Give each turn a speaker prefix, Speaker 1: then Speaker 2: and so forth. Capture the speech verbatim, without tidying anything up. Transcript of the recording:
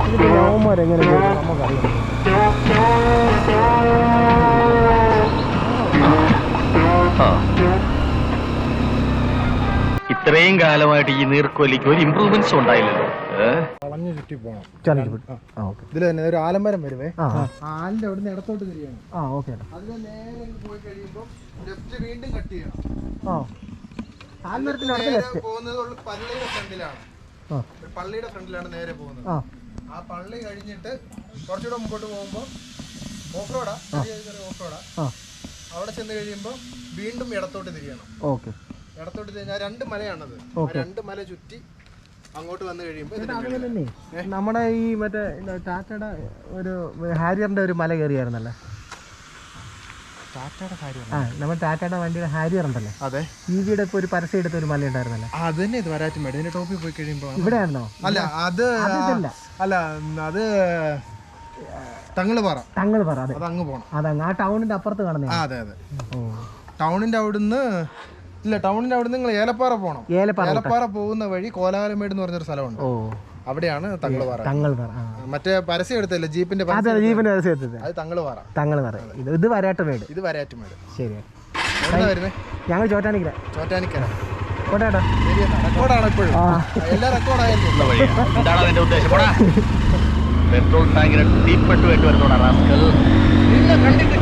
Speaker 1: ഇതിപ്പോൾ നവന്മാരെങ്ങനെ നമുക്കറിയാം.
Speaker 2: ഇത്രയും കാലമായിട്ട് ഈ നീർക്കോലിക്ക് ഒരു ഇമ്പ്രൂവ്മെന്റ്സ് ഉണ്ടായില്ലല്ലോ.
Speaker 3: വളഞ്ഞു ചുറ്റി പോകണം.
Speaker 1: ഇതിൽ തന്നെ ഒരു ആലമരം വരുവേ.
Speaker 3: ആലിന്റെ അവിടെ നിന്ന് ഇടത്തോട്ട് തിരിയണം.
Speaker 1: ആ ഓക്കെ.
Speaker 3: അതിന് നേരെ പോയി കഴിയുമ്പോൾ ലെഫ്റ്റ് വീണ്ടും കട്ട് ചെയ്യണം.
Speaker 1: ആ ആൽമരത്തിന്റെ അടുത്ത് ലെഫ്റ്റ്
Speaker 3: പോകുന്നത് പള്ളിയുടെ ഫ്രണ്ടിലാണ്. പള്ളിയുടെ ഫ്രണ്ടിലാണ് നേരെ പോകുന്നത്. ആ പള്ളി കഴിഞ്ഞിട്ട് കുറച്ചുകൂടെ മുമ്പോട്ട് പോകുമ്പോൾ ഓഫ് റോഡാ, ഓഫ് റോഡാ. അവിടെ ചെന്ന് കഴിയുമ്പോൾ വീണ്ടും ഇടത്തോട്ട് തിരിയണം.
Speaker 1: ഓക്കെ.
Speaker 3: ഇടത്തോട്ട് തിരിഞ്ഞാൽ രണ്ട് മലയാണത്. രണ്ട് മല ചുറ്റി അങ്ങോട്ട് വന്നു കഴിയുമ്പോൾ
Speaker 1: നമ്മുടെ ഈ മറ്റേ ടാറ്റയുടെ ഒരു ഹാരിയറിന്റെ ഒരു മല കയറിയായിരുന്നല്ലേ?
Speaker 3: ടാറ്റയുടെ ഹാരിയർ?
Speaker 1: ആ നമ്മുടെ ടാറ്റയുടെ വണ്ടിയുടെ ഹാരിയർ ഉണ്ടല്ലേ?
Speaker 3: അതെ.
Speaker 1: ഈ വീട് ഇപ്പൊ ഒരു പരസ്യം എടുത്ത ഒരു മല ഉണ്ടായിരുന്നല്ലേ?
Speaker 3: അത് തന്നെ. ഇത് വരാറ്റുമേട്. ഇതിന്റെ ടോപ്പിൽ പോയി കഴിയുമ്പോൾ
Speaker 1: ഇവിടെയാണോ?
Speaker 3: അല്ല, അത് അല്ല, അത് തങ്ങളുപാറ.
Speaker 1: തങ്ങളുപാറ, അതെ.
Speaker 3: അത് അങ്ങ് പോണം.
Speaker 1: അതങ്ങ് ആ ടൗണിന്റെ അപ്പുറത്ത് കാണുന്നത്.
Speaker 3: അതെ അതെ. ടൗണിന്റെ അവിടുന്ന് ഇല്ല, ടൗണിന്റെ അവിടുന്ന് നിങ്ങൾ ഏലപ്പാറ പോകണം. ഏലപ്പാറ പോകുന്ന വഴി കോലാലമേട് എന്ന് പറഞ്ഞൊരു സ്ഥലമുണ്ട്. അവിടെയാണ് തങ്ങളുപാറ.
Speaker 1: തങ്ങളുപാറ
Speaker 3: മറ്റേ പരസ്യം എടുത്തല്ലേ, ജീപ്പിന്റെ
Speaker 1: ജീപ്പിന്റെ പരസ്യം എടുത്തത്.
Speaker 3: അത് തങ്ങളുപാറ.
Speaker 1: തങ്ങളുപാറ. ഇത് ഇത് വരാട്ടുമേട്.
Speaker 3: ഇത് വരാറ്റുമേട്.
Speaker 1: ശരി.
Speaker 3: വരുന്നേ
Speaker 1: ഞങ്ങൾ ചോറ്റാനിക്കര.
Speaker 3: ചോറ്റാനിക്കര
Speaker 1: കോട്ടേട്ടാ.
Speaker 3: റെക്കോർഡാണ് ഇപ്പോഴും. എല്ലാം റെക്കോർഡായല്ലോ.
Speaker 2: എന്താണ് അതിന്റെ ഉദ്ദേശം? പെട്രോൾ ടാങ്കിന് തീപ്പെട്ടു വേണ്ടി വരുന്നോടാ റാസ്കൽ.